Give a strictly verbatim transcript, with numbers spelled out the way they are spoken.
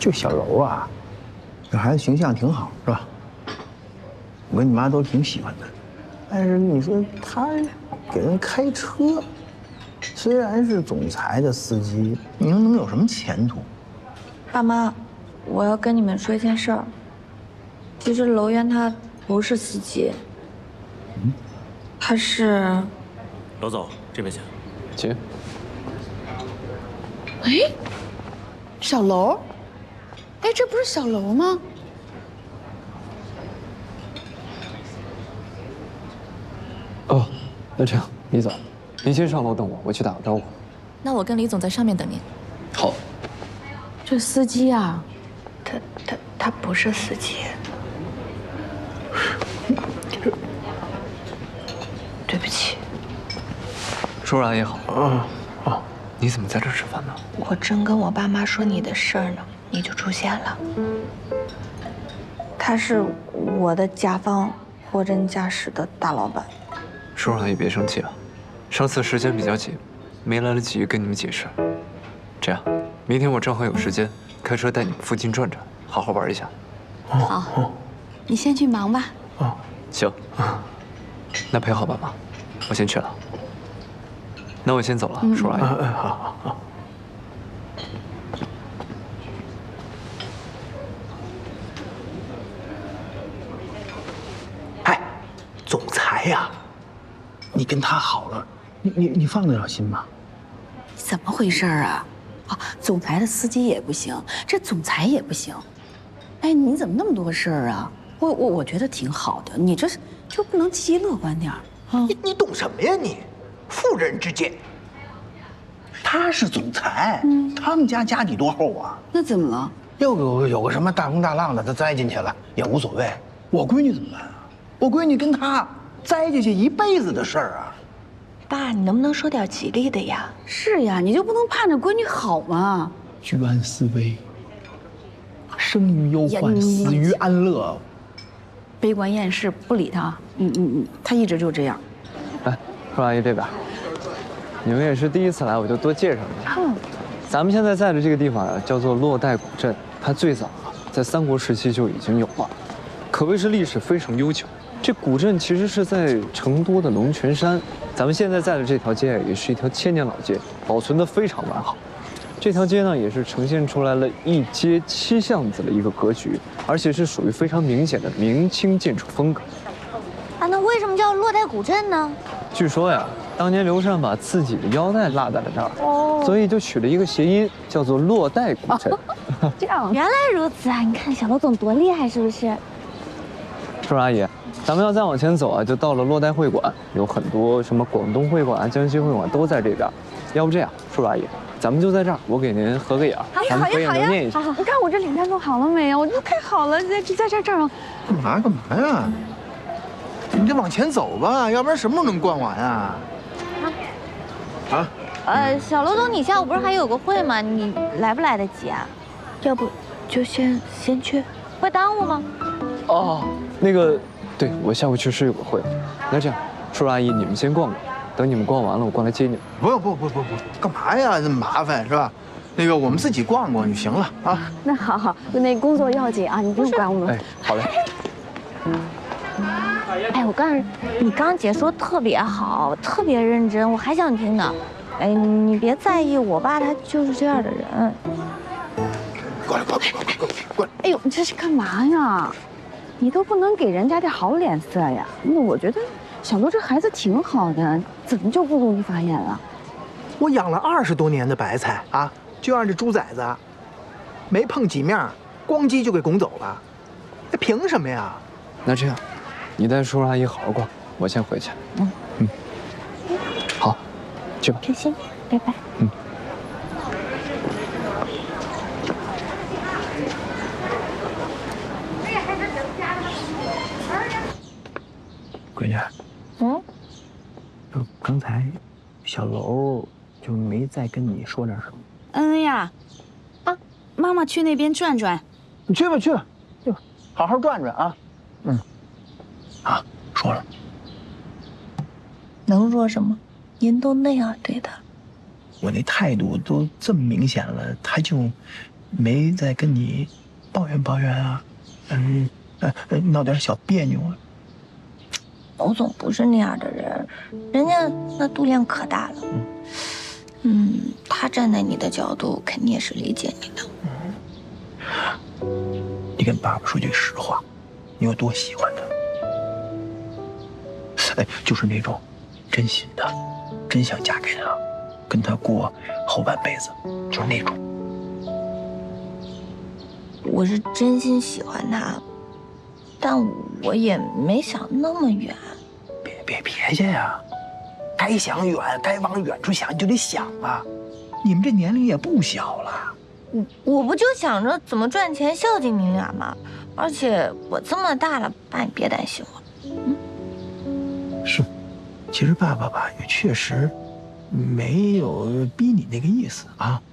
这小柔啊，这孩子形象挺好，是吧？我跟你妈都挺喜欢的。但是你说他给人开车，虽然是总裁的司机，你说能有什么前途？ 爸妈，我要跟你们说一件事儿。其实楼渊他不是司机，嗯，他是。 楼总，这边请。 请。 哎，小楼，哎，这不是小楼吗？ 哦，那这样，李总，您先上楼等我，我去打个招呼。 那我跟李总在上面等您。 好。 这司机啊， 他他他不是司机。对不起。 叔叔阿姨好。哦哦，你怎么在这吃饭呢？ 我正跟我爸妈说你的事儿呢，你就出现了。他是我的甲方货真价实的大老板。 叔叔阿姨别生气啊，上次时间比较紧，没来得及跟你们解释。这样，明天我正好有时间，开车带你们附近转转，好好玩一下。 好，你先去忙吧。 哦，行。那陪好爸妈，我先去了。那我先走了，叔叔阿姨。 好好好。哎，总裁呀，你跟他好了，你你你放得了心吗？ 怎么回事啊？啊，总裁的司机也不行，这总裁也不行。哎，你怎么那么多事儿啊？我我我觉得挺好的，你这就不能积极乐观点儿啊？ 你你懂什么呀你？妇人之见。他是总裁，嗯，他们家家底多厚啊？ 那怎么了？ 要有有个什么大风大浪的，他栽进去了也无所谓。我闺女怎么办啊？我闺女跟他栽进去一辈子的事儿啊！ 爸，你能不能说点吉利的呀？ 是呀，你就不能盼着闺女好吗？ 居安思危，生于忧患，死于安乐。 悲观厌世，不理他。嗯嗯嗯，他一直就这样。 来，叔叔阿姨这边。你们也是第一次来，我就多介绍一下。嗯，咱们现在在的这个地方啊，叫做洛带古镇。它最早啊，在三国时期就已经有了，可谓是历史非常悠久。这古镇其实是在成都的龙泉山。咱们现在在的这条街也是一条千年老街，保存得非常完好。这条街呢，也是呈现出来了一街七巷子的一个格局，而且是属于非常明显的明清建筑风格。 啊，那为什么叫洛带古镇呢？ 据说呀，当年刘禅把自己的腰带落在了这儿，哦，所以就取了一个谐音，叫做洛带古镇。 这样，原来如此啊！你看小罗总多厉害，是不是？ 叔叔阿姨，咱们要再往前走啊，就到了洛带会馆，有很多什么广东会馆、江西会馆都在这边。要不这样，叔叔阿姨，咱们就在这儿，我给您合个影，咱们合影留念一下。 你看我这脸蛋弄好了没有？我这太好了，在在在这儿。 干嘛干嘛呀？你得往前走吧，要不然什么时候能逛完啊？啊？ 呃，小罗总，你下午不是还有个会吗？你来不来得及啊？ 要不就先先去， 会耽误吗？ 哦，那个，对，我下午确实有个会。那这样，叔叔阿姨，你们先逛逛，等你们逛完了，我过来接你们。 不用，不不不不，干嘛呀？这么麻烦是吧？那个，我们自己逛逛就行了啊。 那好好，那工作要紧啊，你不用管我们。 哎，好嘞。 哎，我告诉你，你刚姐说特别好，特别认真，我还想听呢。哎，你别在意，我爸他就是这样的人。 过来，过来，过来，过来，过来！ 哎呦，你这是干嘛呀？你都不能给人家点好脸色呀？那我觉得小罗这孩子挺好的，怎么就不努力发言了？ 我养了二十多年的白菜啊，就让这猪崽子没碰几面，咣叽就给拱走了，这凭什么呀？ 那这样，你带叔叔阿姨好好逛，我先回去。嗯嗯，好，去吧。 开心，拜拜。 嗯。 闺女， 嗯， 就刚才小楼就没再跟你说点什么？ 嗯呀，啊，妈妈去那边转转。 你去吧，去吧，去吧，好好转转啊。嗯。啊，说了。 能说什么？您都那样对他， 我那态度都这么明显了，他就没再跟你抱怨抱怨啊？嗯，呃，呃闹点小别扭啊？ 娄总不是那样的人，人家那度量可大了。嗯，他站在你的角度，肯定也是理解你的。 你跟爸爸说句实话，你有多喜欢他？哎，就是那种真心的，真想嫁给他，跟他过后半辈子，就是那种。 我是真心喜欢他，但我也没想那么远。 别别别介呀，该想远，该往远处想，你就得想啊。你们这年龄也不小了。 我我不就想着怎么赚钱孝敬你俩吗？而且我这么大了，爸你别担心我。 是，其实爸爸吧也确实没有逼你那个意思啊。